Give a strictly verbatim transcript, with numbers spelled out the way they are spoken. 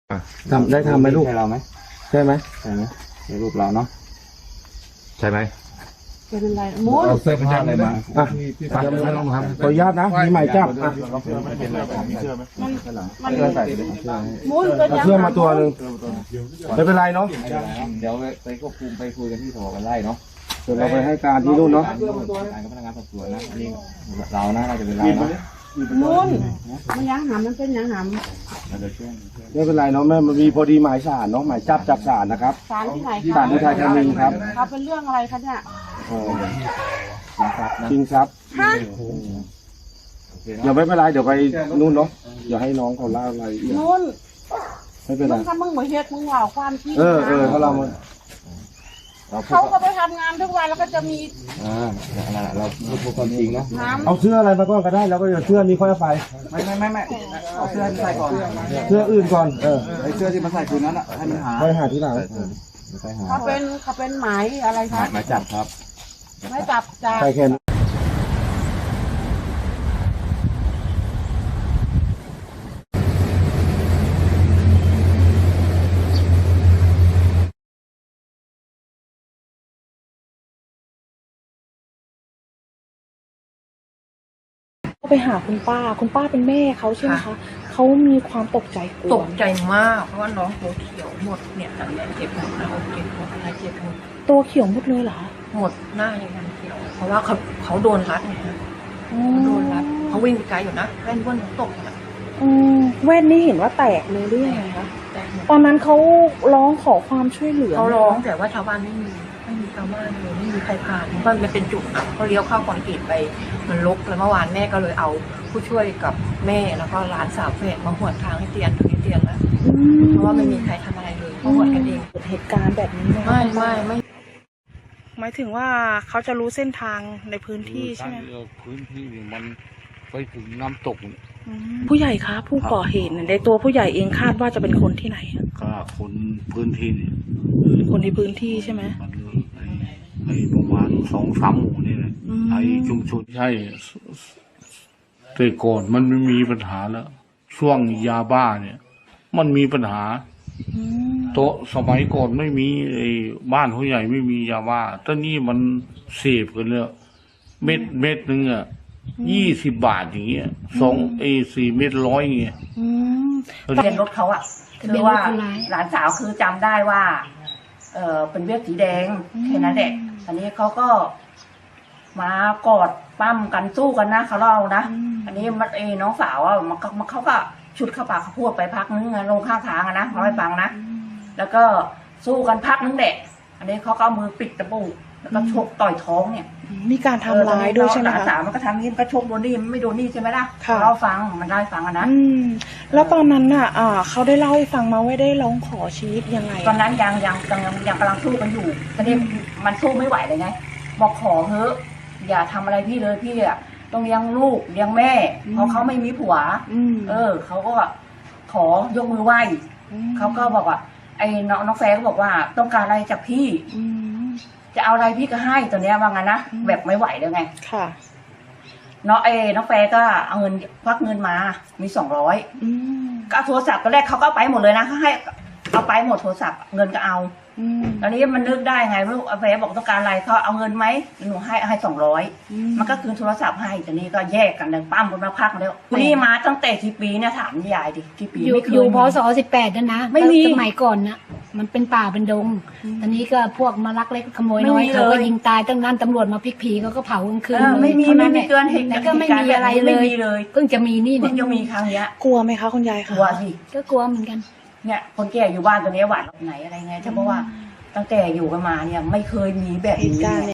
ทำได้ทำไหมลูกใช่เราไหมใช่ไหมใช่ไหมในรูปเราเนาะใช่ไหมเป็นอะไรมุ้นเอาเสื้อผ้าอะไรมาอ่ะขออนุญาตนะมีหมายจับอ่ะมันมันเสื้อใส่เสื้อมุ้นเป็นเอายังเสื้อมาตัวหนึ่งไม่เป็นไรเนาะเดี๋ยวไปควบคุมไปคุยกันที่สพกันไล่เนาะเดี๋ยวเราไปให้การที่นู่นเนาะการกับพนักงานสอบสวนนะอันนี้เรานะเราจะเป็นเราเนาะมุ้นมันยังหำมันเป็นยังหเราจะช่วยไม่เป็นไรเนาะแม่มันมีพอดีหมายสารเนาะหมายจับจากศาลนะครับำสารที่ไหนศาลที่ไทยธานีครับเขาเป็นเรื่องอะไรคะเนี่ยเออนะครับนะจริงครับฮะเดี๋ยวไม่เป็นไรเดี๋ยวไปนู่นเนาะอย่าให้น้องเขาเล่าอะไรอีกมุ้นไม่เป็นไรมึงถ้ามึงมาเฮ็ดมึงว่าความจริงเออเออเขาเรามาเราพูเขาดก็ไปทำงานทุกวันแล้วก็จะมีอ่าเราพูดความจริงเนาะน้ำเอาเสื้ออะไรมาก่อนก็ได้แล้วก็เดี๋ยวเสื้อนี้ค่อยเอาไปไม่ไม่ไม่ไม่เอาเสื้อที่ใส่ก่อนเสื้ออื่นก่อนเออไอ้เสื้อที่มาใส่คืนนั้นอ่ะให้มันหาค่อยหาที่หลังไปหาเขาเป็นเขาเป็นหมายอะไรคะหมายจับครับไม่จับจากใส่แค่นั้นไปหาคุณป้า คุณป้าเป็นแม่เขาใช่ไหมคะเขามีความตกใจกลัวตกใจมากเพราะว่าน้องตัวเขียวหมดเนี่ยหนังเนี่ยเจ็บหมดหน้าอกเจ็บหมดอะไรเจ็บหมดตัวเขียวหมดเลยเหรอคะหมดหน้าอย่างนั้นเขียว เพราะว่าเขาเขาโดนรัดไงฮะอืมเขาโดนรัดเขาวิ่งไปไกลอยู่นะแว่นว่นตกนะอืมแว่นนี่เห็นว่าแตกเลยหรือยังไงคะแต่หมดตอนนั้นเขาร้องขอความช่วยเหลือเขาร้องแต่ว่าชาวบ้านไม่มีไม่มีชาวบ้านเลยไม่มีใครผ่านเพราะมันเป็นจุดอ่ะเขาเลี้ยวเข้าคอนกรีตไปมันลกแล้วเมื่อวานแม่ก็เลยเอาผู้ช่วยกับแม่แล้วก็หลานสาวแฝดมาหวดทางให้เตียนถึงให้เตียนแล้วอืมเพราะว่าไม่มีใครทำอะไรเลยเขาหวดกันเองเกิดเหตุการณ์แบบนี้ไหมคะไม่ไม่ไม่หมายถึงว่าเขาจะรู้เส้นทางในพื้นที่ใช่ไหมพื้นที่นี่มันไปถึงน้ำตกเนี่ยอืมผู้ใหญ่คะผู้ก่อเหตุเนี่ยในตัวผู้ใหญ่เองคาดว่าจะเป็นคนที่ไหนอะก็คนพื้นที่นี่อืมคนในพื้นที่ใช่ไหมมันไอ้ไอ้ประมาณสองสามหมู่นี่แหละอืมไอ้ชุมชนใช่แต่ก่อนมันไม่มีปัญหาแล้ว ช่วงยาบ้าเนี่ย มันมีปัญหาอืมโต๊ะสมัยก่อนไม่มีไอ้บ้านผู้ใหญ่ไม่มียาบ้าตอนนี้มันเสพกันเลยเม็ดเม็ดหนึ่งอ่ะยี่สิบบาทอย่างเงี้ยสองไอ้สี่เม็ดร้อยอย่างเงี้ยอืมทะเบียนรถเขาอะคือว่าหลานสาวคือจำได้ว่า เออเป็นเวียดสีแดงแค่นั้นแหละอันนี้เขาก็มากอดปั้มกันสู้กันนะเขาเล่านะอืมอันนี้มันเอน้องสาวอะมันก็มันเขาก็ชุดเข้าปากเขาพูดไปพักนึงอะลงข้างทางอะนะเขาให้ฟังนะแล้วก็สู้กันพักนึงแหละอันนี้เขาก็เอามือปิดจมูกแล้วก็ชกต่อยท้องเนี่ยมีการทำร้ายด้วยใช่ไหมหลานสาคะวมันก็ทำนี้มันก็ชกโดนนี่มันไม่โดนนี่ใช่ไหมล่ะค่ะเราฟังมันได้ฟังอะนะอืมแล้วตอนนั้นน่ะ อ่า เขาได้เล่าให้ฟังมาว่าได้ร้องขอชีวิตยังไงตอนนั้นยังยังยังยังยังกำลังสู้กันอยู่ตอนนี้มันสู้ไม่ไหวเลยไง บอกขอเถอะอย่าทำอะไรพี่เลยพี่อะต้องเลี้ยงลูกเลี้ยงแม่ เพราะเขาไม่มีผัวอืมเออเขาก็ขอยกมือไหว้เขาก็บอกว่าไอ้น้องน้องแฟร์ก็บอกว่าต้องการอะไรจากพี่อืมจะเอาอะไรพี่ก็ให้ตัวเนี้ยว่างั้นนะอืมแบบไม่ไหวแล้วไงค่ะน้องเอน้องแฟร์ก็เอาเงินควักเงินมามีสองร้อยอืมก็เอาโทรศัพท์ตอนแรกเขาก็เอาไปหมดเลยนะเขาให้เอาไปหมดโทรศัพท์เงินก็เอาอืมตอนนี้มันนึกได้ไงลูกอาแฟบอกต้องการอะไรเขาเอาเงินไหมหนูให้ให้สองร้อยอืมมันก็คืนโทรศัพท์ให้ตอนนี้ก็แยกกันเลยปั้มกันมาพักแล้วนี่มาตั้งแต่กี่ปีเนี่ยถามยายดิกี่ปีอยู่ไม่เคยอยู่มีพศสิบแปดนั่นนะไม่มีสมัยก่อนนะมันเป็นป่าเป็นดง ตอนนี้ก็พวกมาลักเล็กขโมยน้อยไม่มีเขาก็เลยยิงตายตั้งนั้นตำรวจมาพลิกผีเขาก็เผากลางคืนเออไม่มีท่าไม่แหมีละเกินเหตุแล้วก็ไม่เหตุารมีณ์อะไรแบบนี้เลไม่ยมีเลยเพิ่งจะมีนี่เพิ่เนี่งยจะมีครั้งเนี้ยกลัวไหมคะคุณยายกคะลัวสิก็กลัวเหมือนกันเนี่ยคนแก่อยู่บ้านตัวนี้หวาดไหนอะไรไงเพราะว่าตั้งแต่อยู่กันมาเนี่ยไม่เคยมีแบบเหตุนี้การณ์ไง